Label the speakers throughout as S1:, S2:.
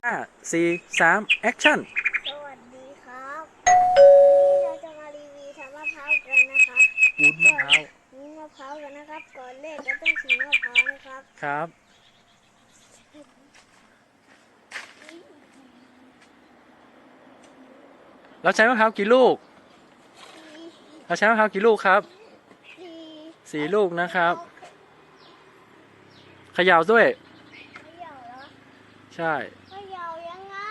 S1: 5 4 3 แอคชั่น
S2: สวัสดีครับวันนี้เราจะมารีวิวทำมะพร้าวกันนะครับ
S1: วุ้นมะพร้าว
S2: วุ้นมะพร้าวกันนะครับก่อนเล่นเราต้องฉีกมะพร้าวนะครับ
S1: ครับเราใช้มะพร้าวกี่ลูกเราใช้มะพร้าวกี่ลูกครับ4 ลูกนะครับเขย่าด้วย
S2: เขย่าเหรอ
S1: ใช่
S2: เขย่ายังไง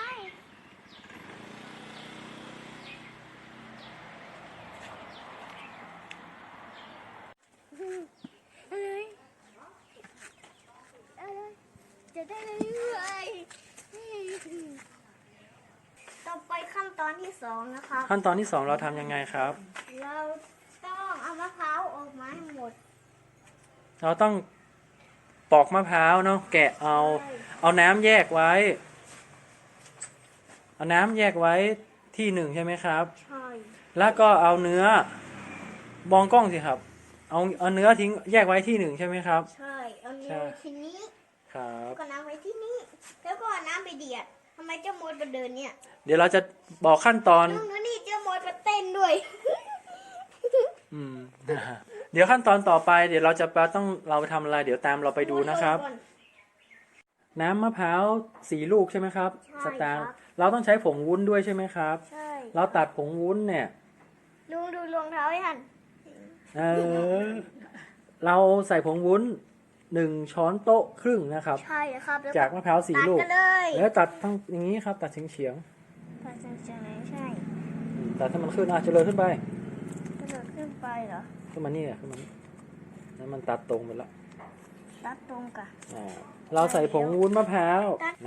S2: อะไรจะได้เรื่อยๆต่อไปขั้นตอนที่2นะครับ
S1: ขั้นตอนที่2เราทำยังไงครับ
S2: เราต้องเอามะพร้าวออกมาให้หมด
S1: เราต้องปอกมะพร้าวเนาะแกะเอาน้ำแยกไว้เอาน้ำแยกไว้ที่หนึ่งใช่ไหมครับ
S2: ใช่
S1: แล้วก็เอาเนื้อมองกล้องสิครับเอาเนื้อทิ้งแยกไว้ที่หนึ่งใช่ไหมครับ
S2: ใช่เอาเนื้อทีนี้
S1: ครับ
S2: ก็น้ำไว้ที่นี่แล้วก็น้ำไปเดือดทำไมเจ้ามดมาเดินเนี่ย
S1: เดี๋ยวเราจะบอกขั้นตอน
S2: ดูนี่เจ้ามดมาเต้นด้วย
S1: อืม เดี๋ยวขั้นตอนต่อไปเดี๋ยวเราไปทำอะไรเดี๋ยวตามเราไปดูนะครับน้ำมะพร้าว4 ลูกใช่ไหมครับสตางค์เราต้องใช้ผงวุ้นด้วยใช่ไหมครับ
S2: ใช่
S1: เราตัดผงวุ้นเนี่ย
S2: ลุงดูรองเท้ายัน
S1: เราใส่ผงวุ้น1 ช้อนโต๊ะครึ่งนะครับ
S2: ใช่ครับ
S1: จากมะพร้าว4 ลูก
S2: แล้
S1: แล้วตัดทั้งอย่างนี้ครับตัดเฉียง
S2: ตัดเฉียงไหนใช่
S1: ตัดให้มันขึ้นเจริญขึ้นไป
S2: กระโดดขึ้นไปเหรอ
S1: ขึ้นมานี่ขึ้นมานี่แล้วมันตัดตรงไปแล้ว
S2: ตัดตรงกัน
S1: เราใส่ผงวุ้นมะพร้าว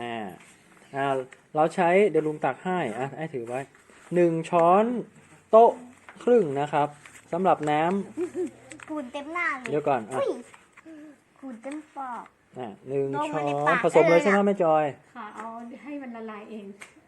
S1: เราใช้เดี๋ยวลุงตักให้ให้ถือไว้1 ช้อนโต๊ะครึ่งนะครับสำหรับน้
S2: ำขุ่นเต็มหน้าเลย
S1: เดี๋ยวก่อน
S2: ขุ่นเต็มปาก
S1: 1 ช้อนผสมเลยใช่ไหมแม่จอย
S3: ค่ะเอาให้มันละลายเอง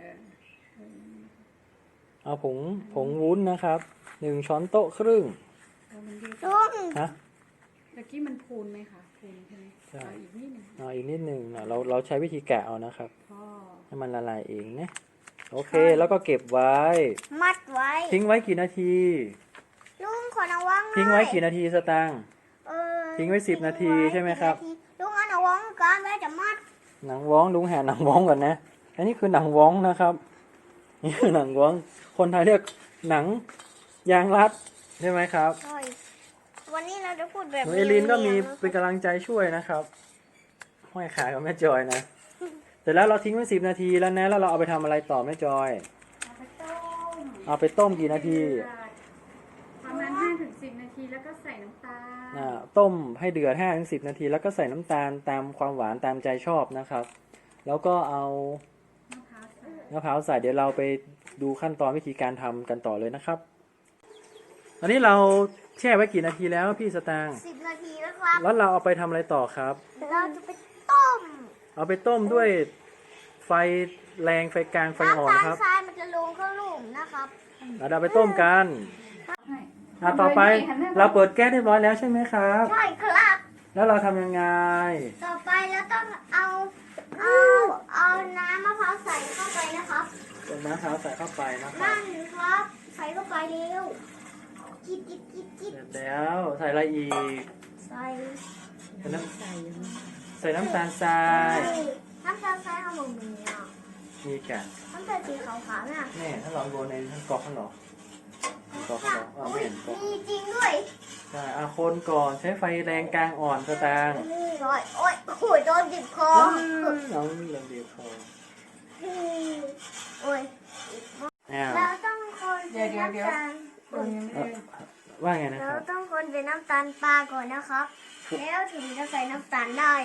S1: เอาผงวุ้นนะครับ1 ช้อนโต๊ะครึ่ง
S2: ลุง
S1: ฮะ
S3: เมื่อกี้มันพูนไหมคะพูนใช่ไหม
S1: ใช่
S3: อีกนิดหนึ่ง
S1: อีกนิดหนึ่งเราใช้วิธีแกะเอานะครับให้มันละลายเองนะโอเคแล้วก็เก็บไว้
S2: มัดไว้
S1: ทิ้งไว้กี่นาที
S2: ลุงขอระวัง
S1: ทิ้งไว้กี่นาทีสตางค์ทิ้งไว้10 นาทีใช่ไหมครับ
S2: ลุงเอาหนังว้องกันไว้จะมัด
S1: หนังว้องลุงแห่หนังว้องก่อนนะอันนี้คือหนังว้องนะครับนี่คือหนังว้องคนไทยเรียกหนังยางรัดใช่ไหมครับ
S2: ใช่วันนี้เราจะพูดแบบ
S1: เอลินก็มีเป็นกำลังใจช่วยนะครับห้อยขากับแม่จอยนะเสร็จแล้วเราทิ้งไว้10 นาทีแล้วนะแล้วเราเอาไปทำอะไรต่อแม่จอยเอาไปต้มกี่นาที
S3: ประมาณ5 ถึง 10 นาทีแล้วก็ใส่น้ำตาล
S1: ต้มให้เดือด5 ถึง 10 นาทีแล้วก็ใส่น้ำตาลตามความหวานตามใจชอบนะครับแล้วก็เอามะพร้าวใส่เดี๋ยวเราไปดูขั้นตอนวิธีการทำกันต่อเลยนะครับตอนนี้เราแช่ไว้กี่นาทีแล้วพี่สตางค์
S2: 10 นาทีแล้วครับ
S1: แล้วเราเอาไปทำอะไรต่อครับ
S2: เราจะไปต้ม
S1: เอาไปต้มด้วยไฟแรงไฟกลางไฟอ่อนครับ
S2: น้ำตาลทรายมันจะลงเข้าหลุมนะครับ
S1: เราไปต้มกันต่อไปเราเปิดแก๊สเรียบร้อยแล้วใช่ไหมครับ
S2: ใช่ครับ
S1: แล้วเราทำยังไง
S2: ต่อไปเราต้องเอาน้ำมะพร้าวใส่เข้าไปนะครับ
S1: น้ำมะพร้าวใส่เข้าไปนะครับ
S2: นั่นครับใส่เข้าไปเร็วจิ๊ด
S1: แล้วใส่อะไรอีก
S2: ใส่
S1: น้ำตาลทราย
S2: น้ำตาลทรายข้าวหมู
S1: มีกัน
S2: น้ำตาลสีขาวๆน่ะ
S1: นี่ถ้าเราโดนในทั้งกรอกข้างหลังไม่เห็นกรอก
S2: มีจริงด้วย
S1: ใช่คนก่อนใช้ไฟแรงกลางอ่อนสตางค์
S2: โอ้ยโดนดิบคอ
S1: น้องเริ่มดิบคอ
S2: โอ้ยเราต้องคนเป็นน้ำตาล
S1: ว่าไงนะค
S2: เรา
S1: รับ
S2: ต้องคนเป็นน้ำตาลปลาก่อนนะครับแล้วถึงจะใส่น้ำตาลได้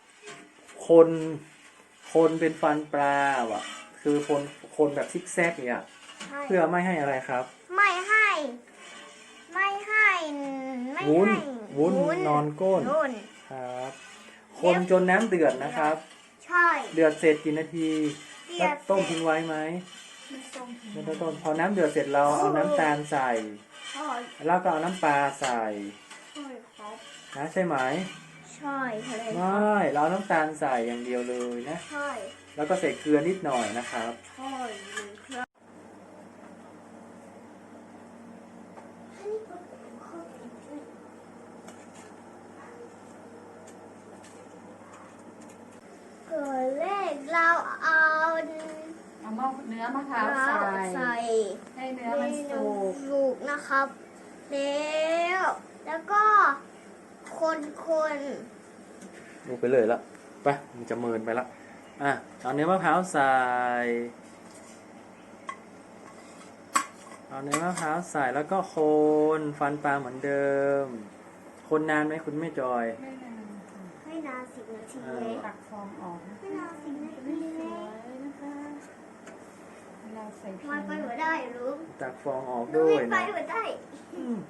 S1: คนเป็นฟันปลาว่ะคือคนแบบซิกแซกเนี่ยเพื่อไม่ให้อะไรครับ
S2: ไม่ให้
S1: วุ้นนอนก้นครับคนจนน้ำเดือดนะครับ
S2: ใช่
S1: เดือดเสร็จกี่นาทีแล้วต้มทิ้งไว้ไหมไม่ต้องต้มพอน้ำเดือดเสร็จเราเอาน้ำตาลใส่แล้วก็เอาน้ำปลาใส่นะใช่ไหม
S2: ใช่
S1: ไม่เราเอาน้ำตาลใส่อย่างเดียวเลยนะ
S2: ใช่
S1: แล้วก็ใส่เกลือนิดหน่อยนะครับ
S2: โอ้ยหนึ่งเครื่องก่อนแรกเราเอา
S3: เอาเนื้อมะพร้าวใส่ให้เนื้อมันสุก
S2: สุกนะครับ แล้วก็คน
S1: ดูไปเลยละไปมันจะเมินไปละเอาเนื้อมะพร้าวใส่แล้วก็คนฟันปลาเหมือนเดิม คนนานไหมคุณแม่จอย
S3: ไม่นานค่ะ
S2: ให้นาน10 นาทีเลย
S3: ตักฟองออกนะ
S2: ให้นาน10 นาที
S3: ส
S2: เล
S3: วย ยนะคะเราใส่พริ
S2: มันไปหัวได้รู้
S1: ตักฟองออก
S2: รู้
S1: ด้วย
S2: ไป
S1: นะ
S2: หัวได้
S1: อืม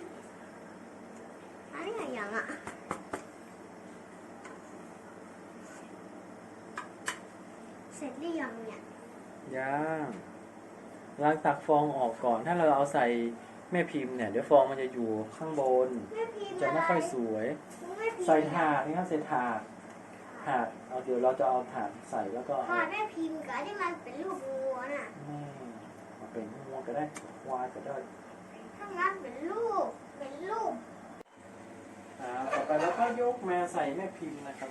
S2: อันนี้อย่างอ่ะเสร็จหรือยังเนี่ย
S1: ย่างล้างตักฟองออกก่อน ถ้าเราเอาใส่แม่พิมพ์เนี่ยเดี๋ยวฟองมันจะอยู่ข้างบน
S2: แม่พิมพ์
S1: จะไม่ค่อยสวย
S2: แม่พิมพ์
S1: ใส่ถาดนี่ครับใส่ถาดเอาเดี๋ยวเราจะเอาถาดใส่แล้วก็
S2: ถาดแม่พิมพ์กับที่มันเป็นรูปวัวน่ะ
S1: มาเป็นงัวก็ได้ควายก็ได้
S2: ถ้างั้นเป็นรูป
S1: ต่อไปแล้วก็ยกมาใส่แม่พิมพ์นะครับ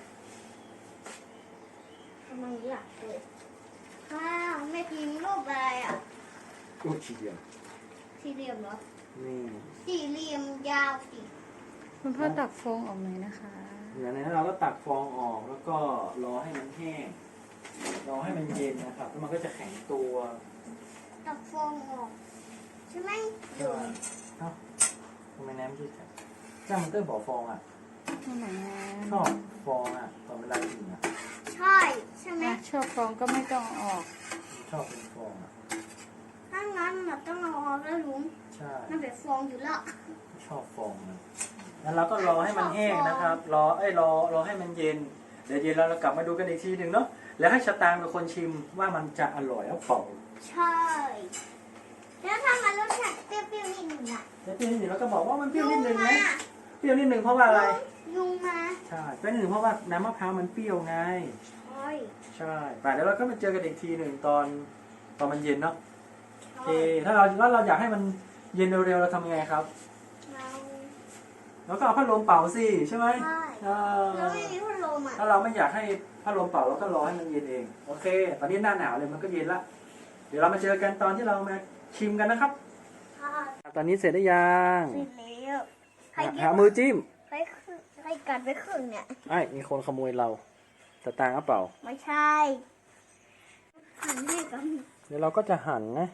S2: ทำไมอยากเลยข้าวแม่พิมพ์รูปอะไรอ่ะ
S1: อุ้ยทีเดียว
S2: สี่เหลี่ยมเหรอ
S1: นี่
S2: สี่เหลี่ยมยาวสิ
S3: คุณพ่อตักฟองออกหน่อยนะคะ
S1: เดี๋ยวนั้นเราก็ตักฟองออกแล้วก็รอให้มันแห้งรอให้มันเย็นนะครับแล้วมันก็จะแข็งตัว
S2: ตักฟองออกใช่ไหม
S1: เอ้าทำไมน้ำยืดจังจ้ามันเตอร์บอกฟองอ่ะ
S3: นั่นแหละ
S1: ชอบฟองอ่ะตอนเวลากินอ่ะ
S2: ใช่ไหม
S3: ชอบฟองก็ไม่ต้องออก
S1: ชอบเป็นฟองอ่ะ
S2: ถ้างั้นเราต้องเอาออกแล้วลุง
S1: ใช่
S2: มันเป็นฟองอยู่แล้ว
S1: ชอบฟองนะแล้วเราก็รอให้มันแห้งนะครับ รอให้มันเย็น เดี๋ยวเย็นแล้วเรากลับมาดูกันอีกทีหนึ่งเนาะ แล้วให้ชะตางเป็นคนชิมว่ามันจะอร่อยหรือเปล่า
S2: ใช่แล้วถ้ามันรสชาติเปรี้ยวๆนิดหนึ่งอ่ะ
S1: แล้วเปรี้ยวนิดหนึ่งเราก็บอกว่ามันเปรี้ยวนิดหนึ่งไหม
S2: มา
S1: เปรี้ยวนิดหนึ่งเพราะว่าอะไร
S2: ยุงมา
S1: ใช่เปรี้ยวนิดหนึ่งเพราะว่าน้ำมะพร้าวมันเปรี้ยวไง
S2: ใช่
S1: ใช่ป่ะเดี๋ยวเราก็มาเจอกันอีกทีหนึ่งตอนมันเย็นเนาะโอเค
S2: ใช่
S1: ถ้าเราอยากให้มันเย็นเร็วๆเราทำยังไงครับ
S2: เรา
S1: แล้วก็เอาพัดลมเป่าสิใช่ไหม
S2: ใช่ เราไม่มีพัดลมอ่ะ
S1: ถ้าเราไม่อยากให้พัดลมเป่าเราก็รอให้มันเย็นเองโอเค ตอนนี้หน้าหนาวเลยมันก็เย็นละเดี๋ยวเรามาเจอกันตอนที่เรามาชิมกันนะครับ
S2: ค่ะ
S1: ตอนนี้เสร็จหรือยัง
S2: เสร็จแล้วใครกิน
S1: หามือจิ้ม
S2: ใครกัดไปครึ่งเนี่ย
S1: ไอ้มีคนขโมยเราสตางค์เอาเปล่า
S2: ไม่ใช่หันให้กัน
S1: เดี๋ยวเราก็จะหั่นนะ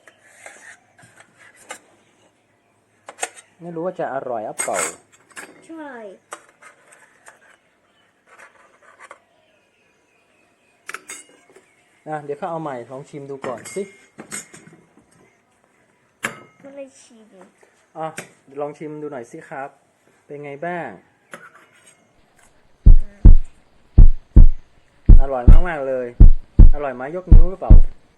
S1: ไม่รู้ว่าจะอร่อยหรือเปล่า
S2: ใช่
S1: เดี๋ยวเขาเอาใหม่ลองชิมดูก่อนสิ
S2: ก็เลยชิม
S1: ลองชิมดูหน่อยสิครับ เป็นไงบ้าง อร่อยมากๆเลย อร่อยไหมยกนิ้วหรือเปล่า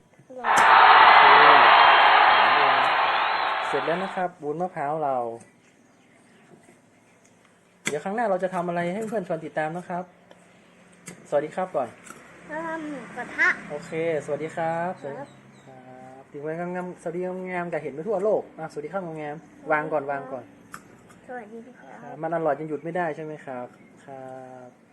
S1: เสร็จแล้วนะครับวุ้นมะพร้าวเรา เดี๋ยวครั้งหน้าเราจะทำอะไรให้เพื่อนชวนติดตามนะครับ สวัสดีครับก่อน
S2: แล้วทำหมูกระทะ
S1: โอเค สวัสดีครับ
S2: ครับ
S1: ถึงไว้งามๆสวัสดีงามๆกับเห็นไปทั่วโลกสวัสดีครับงามๆวางก่อน
S2: สวัสดีครับ
S1: มันอร่อยจนหยุดไม่ได้ใช่ไหมครับ ครับ